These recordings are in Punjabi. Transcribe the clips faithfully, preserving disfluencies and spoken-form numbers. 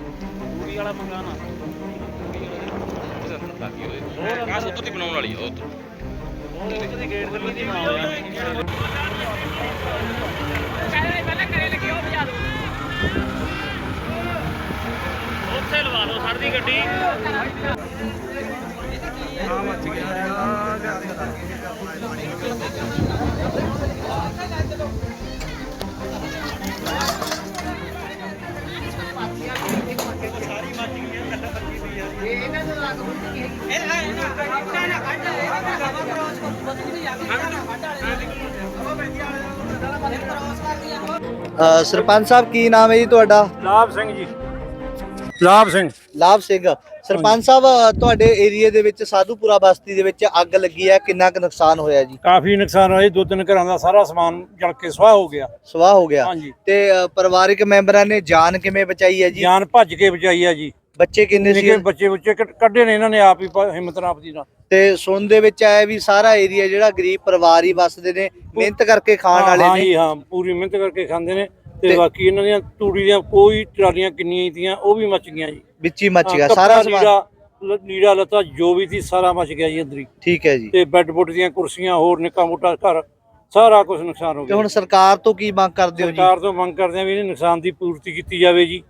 ਪੂਰੀ ਵਾਲਾ ਮੰਗਾ ਨਾ ਉਹਦੇ ਅੰਦਰ ਲੱਗੀ ਹੋਈ ਆਹ ਉੱਤੋਂ ਦੀ ਬਣਾਉਣ ਵਾਲੀ ਆ ਉੱਤੋਂ ਉਹ ਉੱਧਰ ਦੀ ਗੇਟ ਦੇ ਵਿੱਚ ਨਾ ਹੋਇਆ ਉੱਥੇ ਲਵਾ ਲਓ ਸਰ ਦੀ ਗੱਡੀ ਆ ਮੱਚ ਗਿਆ ਸਰਪੰਚ ਸਾਹਿਬ ਕੀ ਨਾਮ ਹੈ ਜੀ ਤੁਹਾਡਾ? ਲਾਭ ਸਿੰਘ ਜੀ। ਲਾਭ ਸਿੰਘ ਲਾਭ ਸਿੰਘ। ਸਰਪੰਚ ਸਾਹਿਬ ਤੁਹਾਡੇ ਏਰੀਆ ਦੇ ਵਿੱਚ ਸਾਧੂਪੁਰਾ ਬਸਤੀ ਦੇ ਵਿੱਚ ਅੱਗ ਲੱਗੀ ਹੈ, ਕਿੰਨਾ ਕੁ ਨੁਕਸਾਨ ਹੋਇਆ ਜੀ? ਕਾਫੀ ਨੁਕਸਾਨ ਹੋਇਆ, ਦੋ ਤਿੰਨ ਘਰਾਂ ਦਾ ਸਾਰਾ ਸਮਾਨ ਜਲ ਕੇ ਸੁਆਹ ਹੋ ਗਿਆ। ਸਵਾਹ ਹੋ ਗਿਆ। ਹਾਂਜੀ। ਤੇ ਅ, ਪਰਿਵਾਰਿਕ ਮੈਂਬਰਾਂ ਨੇ ਜਾਨ ਕਿਵੇਂ ਬਚਾਈ ਹੈ ਜੀ? ਜਾਨ ਭੱਜ ਕੇ ਬਚਾਈ ਆ ਜੀ। ਬੱਚੇ ਕਿੰਨੇ ਸੀ? ਬੱਚੇ ਬੱਚੇ ਕੱਢੇ ਨੇ ਇਹਨਾਂ ਨੇ ਆਪ ਹੀ ਹਿੰਮਤ ਨਾਲ ਆਪਦੀ ਨਾਲ। ਤੇ ਸੁਣ ਦੇ ਵਿੱਚ ਆਇਆ ਵੀ ਸਾਰਾ ਏਰੀਆ ਜਿਹੜਾ ਗਰੀਬ ਪਰਿਵਾਰ ਹੀ ਵਸਦੇ ਨੇ, ਮਿਹਨਤ ਕਰਕੇ ਖਾਣ ਵਾਲੇ ਹਾਂ ਨੇ। ਜੀ ਹਾਂ, ਪੂਰੀ ਮਿਹਨਤ ਕਰਕੇ ਖਾਂਦੇ ਨੇ। ਤੇ ਬਾਕੀ ਇਹਨਾਂ ਦੀਆਂ ਤੂੜੀ ਦੀਆਂ ਕੋਈ ਟਰਾਲੀਆਂ ਕਿੰਨੀਆਂ ਹੀ ਤੀਆਂ ਉਹ ਵੀ ਮੱਚ ਗਈਆਂ ਜੀ। ਵਿੱਚ ਹੀ ਮੱਚ ਗਿਆ ਸਾਰਾ ਸਮਾਨ। ਲੀੜਾ ਲੱਤਾ ਜੋ ਵੀ ਸੀ ਸਾਰਾ ਮੱਚ ਗਿਆ ਜੀ ਅੰਦਰ ਹੀ। ਠੀਕ ਹੈ ਜੀ। ਤੇ ਬੈੱਡ ਬੁੱਡ ਦੀਆਂ ਕੁਰਸੀਆਂ ਹੋਰ ਨਿੱਕਾ ਮੋਟਾ ਘਰ ਸਾਰਾ ਕੁਝ ਨੁਕਸਾਨ ਹੋ ਤੇ ਗਿਆ। ਹੁਣ ਸਰਕਾਰ ਤੋਂ ਕੀ ਮੰਗ ਕਰਦੇ ਹੋ ਜੀ? ਸਰਕਾਰ ਤੋਂ ਮੰਗ ਕਰਦੇ ਆ ਵੀ ਇਹਨੇ ਨੁਕਸਾਨ ਦੀ ਪੂਰਤੀ ਕੀਤੀ ਜਾਵੇ ਜੀ।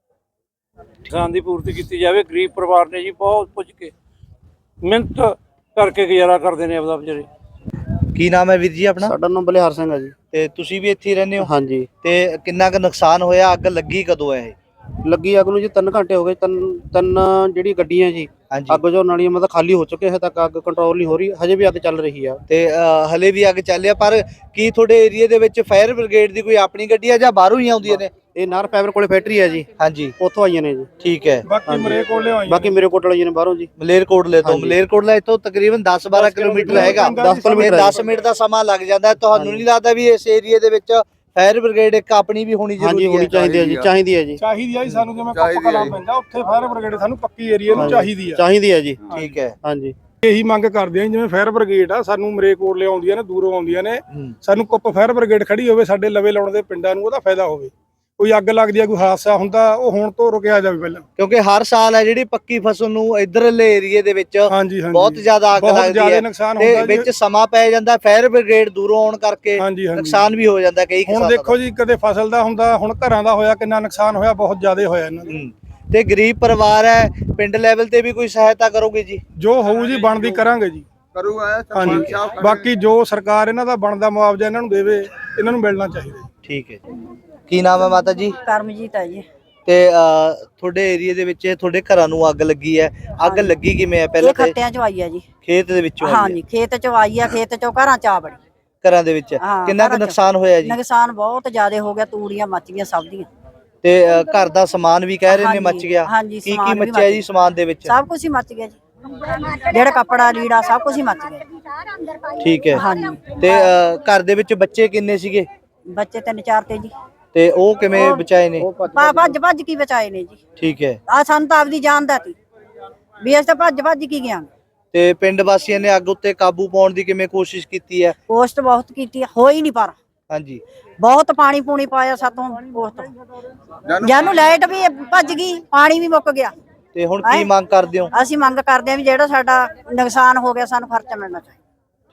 ਨੁਕਸਾਨ ਦੀ ਪੂਰਤੀ ਕੀਤੀ ਜਾਵੇ। ਗਰੀਬ ਪਰਿਵਾਰ ਨੇ ਜੀ ਬਹੁਤ ਪੁੱਜ ਕੇ ਮਿਹਨਤ ਕਰਕੇ ਗੁਜ਼ਾਰਾ ਕਰਦੇ ਨੇ ਆਪਦਾ ਵਿਚਾਰੇ। ਕੀ ਨਾਮ ਹੈ ਵੀਰ ਜੀ ਆਪਣਾ? ਸਾਡਾ ਨਾਮ ਬਲਿਹਾਰ ਸਿੰਘ ਹੈ ਜੀ। ਤੇ ਤੁਸੀਂ ਵੀ ਇੱਥੇ ਹੀ ਰਹਿੰਦੇ ਹੋ? ਹਾਂਜੀ। ਤੇ ਕਿੰਨਾ ਕੁ ਨੁਕਸਾਨ ਹੋਇਆ? ਅੱਗ ਲੱਗੀ ਕਦੋਂ ਹੈ ਇਹ? ਲੱਗੀ ਅੱਗ ਨੂੰ ਜੀ ਤਿੰਨ ਘੰਟੇ ਹੋ ਗਏ। ਤਿੰਨ ਤਿੰਨ ਜਿਹੜੀ ਗੱਡੀਆਂ ਜੀ ਹਾਂਜੀ। ਅੱਗ ਜੋ ਨਾਲੀਆਂ ਮਤਲਬ ਖਾਲੀ ਹੋ ਚੁੱਕੇ, ਹਜੇ ਤੱਕ ਅੱਗ ਕੰਟਰੋਲ ਨਹੀਂ ਹੋ ਰਹੀ, ਹਜੇ ਵੀ ਅੱਗ ਚੱਲ ਰਹੀ ਆ। ਤੇ ਹਲੇ ਵੀ ਅੱਗ ਚੱਲਿਆ। ਪਰ ਕੀ ਤੁਹਾਡੇ ਏਰੀਆ ਦੇ ਵਿੱਚ ਫਾਇਰ ਬ੍ਰਿਗੇਡ ਦੀ ਕੋਈ ਆਪਣੀ ਗੱਡੀ ਹੈ ਜਾਂ ਬਾਹਰੋਂ ਹੀ ਆਉਂਦੀਆਂ ਨੇ? ਇਹ ਨਾਰ ਫਾਈਬਰ ਕੋਲੇ ਫੈਕਟਰੀ ਹੈ ਜੀ। ਹਾਂਜੀ। ਉੱਥੋਂ ਆਈਆਂ ਨੇ ਜੀ। ਠੀਕ ਹੈ। ਬਾਕੀ ਮਰੇ ਕੋਲੇ ਆਈਆਂ ਬਾਕੀ ਮੇਰੇ ਕੋਲ ਆਈਆਂ ਨੇ ਬਾਹਰੋਂ ਜੀ। ਮਲੇਰਕੋਟਲੇ ਤੋਂ। ਮਲੇਰਕੋਟਲਾ ਇੱਥੋਂ ਤਕਰੀਬਨ ਦਸ ਬਾਰਾਂ ਕਿਲੋਮੀਟਰ ਹੈਗਾ। ਦਸ ਕਿਲੋਮੀਟਰ ਦਸ ਮਿੰਟ ਦਾ ਸਮਾਂ ਲੱਗ ਜਾਂਦਾ। ਤੁਹਾਨੂੰ ਨਹੀਂ ਲੱਗਦਾ ਵੀ ਇਸ ਏਰੀਆ ਦੇ ਵਿੱਚ ਫਾਇਰ ਬ੍ਰਿਗੇਡ ਇੱਕ ਆਪਣੀ ਵੀ ਹੋਣੀ ਜ਼ਰੂਰੀ ਹੈ? ਹੋਣੀ ਚਾਹੀਦੀ ਹੈ ਜੀ। ਚਾਹੀਦੀ ਹੈ ਜੀ। ਚਾਹੀਦੀ ਹੈ ਜੀ ਸਾਨੂੰ। ਜਿਵੇਂ ਕੱਪ ਕਲਾ ਪੈਂਦਾ ਉੱਥੇ ਫਾਇਰ ਬ੍ਰਿਗੇਡ ਸਾਨੂੰ ਪੱਕੀ ਏਰੀਆ ਨੂੰ ਚਾਹੀਦੀ ਆ। ਚਾਹੀਦੀ ਹੈ ਜੀ। ਠੀਕ ਹੈ। ਹਾਂਜੀ। ਇਹੀ ਮੰਗ ਕਰਦੇ ਆ ਜਿਵੇਂ ਫਾਇਰ ਬ੍ਰਿਗੇਡ ਆ ਸਾਨੂੰ ਮਰੇਕੋਟਲੇ ਆਉਂਦੀਆਂ ਨੇ, ਦੂਰੋਂ ਆਉਂਦੀਆਂ ਨੇ, ਸਾਨੂੰ ਕੁੱਪ ਫਾਇਰ ਬ੍ਰਿਗੇਡ ਖੜੀ ਹੋਵੇ ਸਾਡੇ ਲਵੇ ਲਾਉਣ ਦੇ ਪਿੰਡਾਂ ਨੂੰ, ਉਹਦਾ ਫਾਇਦਾ ਹੋਵੇ। ਕੋਈ ਅੱਗ ਲੱਗਦੀ ਆ, ਕੋਈ ਹਾਦਸਾ ਹੁੰਦਾ, ਉਹ ਹੁਣ ਤੋਂ ਰੁਕਿਆ ਜਾਵੇ ਪਹਿਲਾਂ। ਕਿਉਂਕਿ ਹਰ ਸਾਲ ਹੈ ਜਿਹੜੀ ਪੱਕੀ ਫਸਲ ਨੂੰ ਇਧਰਲੇ ਏਰੀਏ ਦੇ ਵਿੱਚ ਹਾਂਜੀ ਹਾਂਜੀ ਬਹੁਤ ਜ਼ਿਆਦਾ ਅੱਗ ਲੱਗਦੀ ਹੈ ਤੇ ਵਿੱਚ ਸਮਾਂ ਪੈ ਜਾਂਦਾ। ਫਾਇਰ ਬ੍ਰਿਗੇਡ ਦੂਰੋਂ ਆਉਣ ਕਰਕੇ ਨੁਕਸਾਨ ਵੀ ਹੋ ਜਾਂਦਾ ਕਈ ਕਿਸਾਨਾਂ ਦਾ। ਹੁਣ ਦੇਖੋ ਜੀ, ਕਦੇ ਫਸਲ ਦਾ ਹੁੰਦਾ, ਹੁਣ ਘਰਾਂ ਦਾ ਹੋਇਆ, ਕਿੰਨਾ ਨੁਕਸਾਨ ਹੋਇਆ, ਬਹੁਤ ਜ਼ਿਆਦਾ ਹੋਇਆ ਇਹਨਾਂ ਦਾ। ਤੇ ਗਰੀਬ ਪਰਿਵਾਰ ਹੈ, ਪਿੰਡ ਲੈਵਲ ਤੇ ਵੀ ਕੋਈ ਸਹਾਇਤਾ ਕਰੋਗੇ ਜੀ? ਜੋ ਹੋਊ ਜੀ ਬਣਦੀ ਕਰਾਂਗੇ ਜੀ। ਕਰੂਗਾ ਹਾਂਜੀ। ਬਾਕੀ ਜੋ ਸਰਕਾਰ ਇਹਨਾਂ ਦਾ ਬਣਦਾ ਮੁਆਵਜ਼ਾ ਇਹਨਾਂ ਨੂੰ ਦੇਵੇ, ਇਹਨਾਂ ਨੂੰ ਮਿਲਣਾ ਚਾਹੀਦਾ। ਠੀਕ ਹੈ ਜੀ। ਕੀ ਨਾਮ ਹੈ ਮਾਤਾ ਜੀ? ਕਰਮਜੀਤ ਹੈ ਜੀ। ਤੇ ਤੁਹਾਡੇ ਏਰੀਆ ਦੇ ਵਿੱਚ ਤੁਹਾਡੇ ਘਰਾਂ ਨੂੰ ਅੱਗ ਲੱਗੀ ਹੈ, ਅੱਗ ਲੱਗੀ ਕਿਵੇਂ ਹੈ? ਪਹਿਲਾਂ ਖੱਤਿਆਂ ਚੋਂ ਆਈ ਹੈ ਜੀ। ਖੇਤ ਦੇ ਵਿੱਚੋਂ? ਹਾਂਜੀ, ਖੇਤ ਚੋਂ ਆਈ ਹੈ। ਖੇਤ ਚੋਂ ਘਰਾਂ ਚ ਆ ਬੜੀ। ਘਰਾਂ ਦੇ ਵਿੱਚ ਕਿੰਨਾ ਕੁ ਨੁਕਸਾਨ ਹੋਇਆ ਜੀ? ਨੁਕਸਾਨ ਬਹੁਤ ਜ਼ਿਆਦਾ ਹੋ ਗਿਆ। ਤੂੜੀਆਂ ਮੱਚ ਗਈਆਂ ਸਭ ਦੀਆਂ। ਤੇ ਘਰ ਦਾ ਸਮਾਨ ਵੀ ਕਹਿ ਰਹੇ ਨੇ ਮੱਚ ਗਿਆ। ਕੀ ਕੀ ਮੱਚਿਆ ਜੀ ਸਮਾਨ ਦੇ ਵਿੱਚ? ਸਭ ਕੁਝ ਹੀ ਮੱਚ ਗਿਆ ਜੀ। ਜਿਹੜਾ ਕੱਪੜਾ ਲੀੜਾ ਸਭ ਕੁਝ ਹੀ ਮੱਚ ਗਿਆ। ਠੀਕ ਹੈ। ਹਾਂਜੀ। ਤੇ ਘਰ ਦੇ ਵਿੱਚ ਬੱਚੇ ਕਿੰਨੇ ਸੀਗੇ? ਬੱਚੇ ਤਿੰਨ ਚਾਰ ਤੇ ਜੀ। ਤੇ ਉਹ ਕਿਵੇਂ ਬਚਾਏ ਨੇ? ਭੱਜ ਭੱਜ ਕੀ ਬਚਾਏ ਨੇ ਜੀ। ਠੀਕ ਹੈ। ਆ ਸਾਨੂੰ ਤਾਂ ਆਪਦੀ ਜਾਨ ਦਾ ਸੀ ਵੀ ਅਸੀਂ ਤਾਂ ਭੱਜ ਭੱਜ ਕੀ ਗਿਆ। ਤੇ ਪਿੰਡ ਵਾਸੀਆਂ ਨੇ ਅੱਗ ਉੱਤੇ ਕਾਬੂ ਪਾਉਣ ਦੀ ਕਿਵੇਂ ਕੋਸ਼ਿਸ਼ ਕੀਤੀ ਹੈ? ਕੋਸ਼ਟ ਬਹੁਤ ਕੀਤੀ, ਹੋਈ ਨਹੀਂ ਪਰ। ਹਾਂਜੀ। ਬਹੁਤ ਪਾਣੀ ਪੂਣੀ ਪਾਇਆ ਸਾਤੋਂ ਕੋਸ਼ਟ। ਜਾਨੂੰ ਲਾਈਟ ਵੀ ਭੱਜ ਗਈ, ਪਾਣੀ ਵੀ ਮੁੱਕ ਗਿਆ। ਤੇ ਹੁਣ ਕੀ ਮੰਗ ਕਰਦੇ ਹੋ? ਅਸੀਂ ਮੰਗ ਕਰਦੇ ਹਾਂ ਵੀ ਜਿਹੜਾ ਸਾਡਾ ਨੁਕਸਾਨ ਹੋ ਗਿਆ ਸਾਨੂੰ ਖਰਚਾ ਮਿਲਣਾ ਚਾਹੀਦਾ।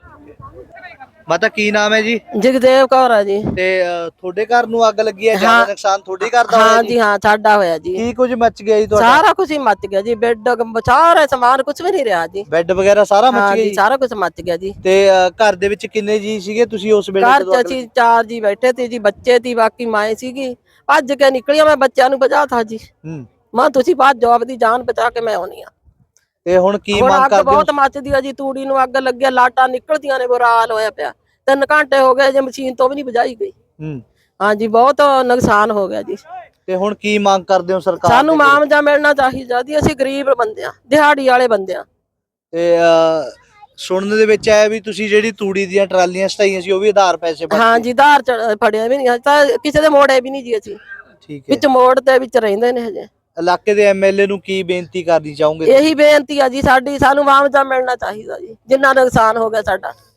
ਮਾਤਾ ਕੀ ਨਾਮ ਹੈ ਜੀ? ਜਗਦੇਵ ਕੌਰ ਆ ਜੀ। ਤੇ ਤੁਹਾਡੇ ਘਰ ਨੂੰ ਅੱਗ ਲੱਗੀ ਹੈ, ਜ਼ਿਆਦਾ ਨੁਕਸਾਨ ਤੁਹਾਡੇ ਘਰ ਦਾ ਹੋਇਆ? ਹਾਂ ਜੀ ਹਾਂ, ਸਾਡਾ ਹੋਇਆ ਜੀ। ਕੀ ਕੁਝ ਮੱਚ ਗਿਆ ਜੀ ਤੁਹਾਡਾ? ਸਾਰਾ ਕੁਝ ਹੀ ਮੱਚ ਗਿਆ ਜੀ। ਬੈੱਡ ਸਾਰਾ ਸਮਾਨ ਕੁਝ ਵੀ ਨਹੀਂ ਰਿਹਾ ਜੀ। ਬੈੱਡ ਵਗੈਰਾ ਸਾਰਾ ਮੱਚ ਗਿਆ ਜੀ? ਸਾਰਾ ਕੁਝ ਮੱਚ ਗਿਆ ਜੀ। ਤੇ ਘਰ ਦੇ ਵਿੱਚ ਕਿੰਨੇ ਜੀ ਸੀਗੇ ਤੁਸੀਂ ਉਸ ਵੇਲੇ? ਘਰ ਚ ਅਸੀਂ ਚਾਰ ਜੀ ਬੈਠੇ ਤੇ ਜੀ, ਬੱਚੇ ਤੀ, ਬਾਕੀ ਮਾਏ ਸੀਗੀ। ਭੱਜ ਕੇ ਨਿਕਲੀਆਂ, ਮੈਂ ਬੱਚਿਆਂ ਨੂੰ ਬਚਾਤਾ ਜੀ। ਮਾਂ ਤੁਸੀਂ ਬਾਅਦ ਜਵਾਬ ਦੀ ਜਾਨ ਬਚਾ ਕੇ ਮੈਂ ਆਉਣੀ ਆ। ਤੇ ਹੁਣ ਕੀ ਮੰਗ ਕਰਦੇ ਹੋ? ਬਹੁਤ ਮੱਚਦੀ ਆ ਜੀ। ਤੂੜੀ ਨੂੰ ਅੱਗ ਲੱਗਿਆ, ਲਾਟਾਂ ਨਿਕਲਦੀਆਂ ਨੇ, ਬੁਰਾ ਹਾਲ ਹੋਇਆ ਪਿਆ। ਤਿੰਨ ਘੰਟੇ ਹੋ ਗਏ ਜੇ ਮਸ਼ੀਨ ਤੋਂ ਵੀ ਨਹੀਂ ਬੁਝਾਈ ਗਈ। ਹਾਂਜੀ, ਬਹੁਤ ਨੁਕਸਾਨ ਹੋ ਗਿਆ ਜੀ। ਤੇ ਹੁਣ ਕੀ ਮੰਗ ਕਰਦੇ ਹੋ ਸਰਕਾਰ? ਸਾਨੂੰ ਮੁਆਵਜ਼ਾ ਮਿਲਣਾ ਚਾਹੀਦਾ ਜੀ। ਅਸੀਂ ਗਰੀਬ ਬੰਦੇ ਆ, ਦਿਹਾੜੀ ਵਾਲੇ ਬੰਦੇ ਆ। ਤੇ ਸੁਣਨ ਦੇ ਵਿੱਚ ਆਇਆ ਵੀ ਤੁਸੀਂ ਜਿਹੜੀ ਤੂੜੀ ਦੀਆਂ ਟਰਾਲੀਆਂ ਸਟਾਈਆਂ ਸੀ ਉਹ ਵੀ ਆਧਾਰ ਪੈਸੇ ਭਰਦੇ? ਹਾਂਜੀ, ਆਧਾਰ ਫੜਿਆ ਵੀ ਨਹੀਂ, ਤਾਂ ਕਿਸੇ ਦੇ ਮੋੜੇ ਵੀ ਨਹੀਂ ਜੀ ਅਸੀਂ। ਠੀਕ ਹੈ। ਵਿੱਚ ਮੋੜ ਦੇ ਵਿੱਚ ਰਹਿੰਦੇ ਨੇ ਹਜੇ। ਇਲਾਕੇ ਦੇ ਐਮਐਲਏ ਨੂੰ ਕੀ ਬੇਨਤੀ ਕਰਨੀ ਚਾਹੋਗੇ? ਇਹੀ ਬੇਨਤੀ ਆ ਜੀ ਸਾਡੀ, ਸਾਨੂੰ ਮੁਆਵਜ਼ਾ ਮਿਲਣਾ ਚਾਹੀਦਾ ਜੀ, ਜਿੰਨਾ ਨੁਕਸਾਨ ਹੋ ਗਿਆ ਸਾਡਾ।